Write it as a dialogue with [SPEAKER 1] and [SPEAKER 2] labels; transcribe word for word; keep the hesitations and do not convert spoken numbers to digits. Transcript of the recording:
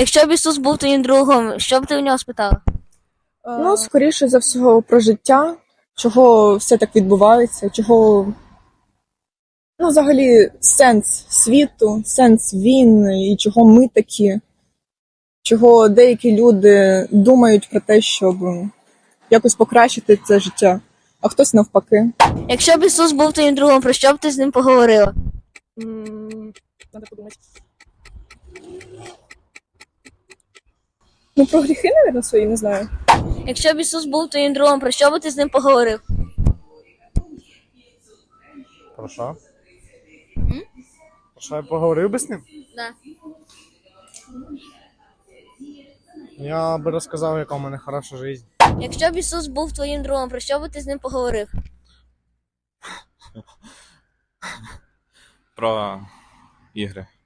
[SPEAKER 1] Якщо б Ісус був твоїм другом, що б ти в нього спитала?
[SPEAKER 2] Ну, скоріше за всього, про життя, чого все так відбувається, чого, ну, взагалі, сенс світу, сенс війн і чого ми такі, чого деякі люди думають про те, щоб якось покращити це життя, а хтось навпаки.
[SPEAKER 1] Якщо б Ісус був твоїм другом, про що б ти з ним поговорила?
[SPEAKER 2] Надо подумати. Ну, про гріхи, мабуть, свої, не знаю.
[SPEAKER 1] Якщо б Ісус був твоїм другом, про що б ти з ним поговорив?
[SPEAKER 3] Про що? Про що я поговорив би з ним?
[SPEAKER 1] Да.
[SPEAKER 3] Я би розказав, яка у мене хороша життя.
[SPEAKER 1] Якщо б Ісус був твоїм другом, про що б ти з ним поговорив?
[SPEAKER 4] Про ігри.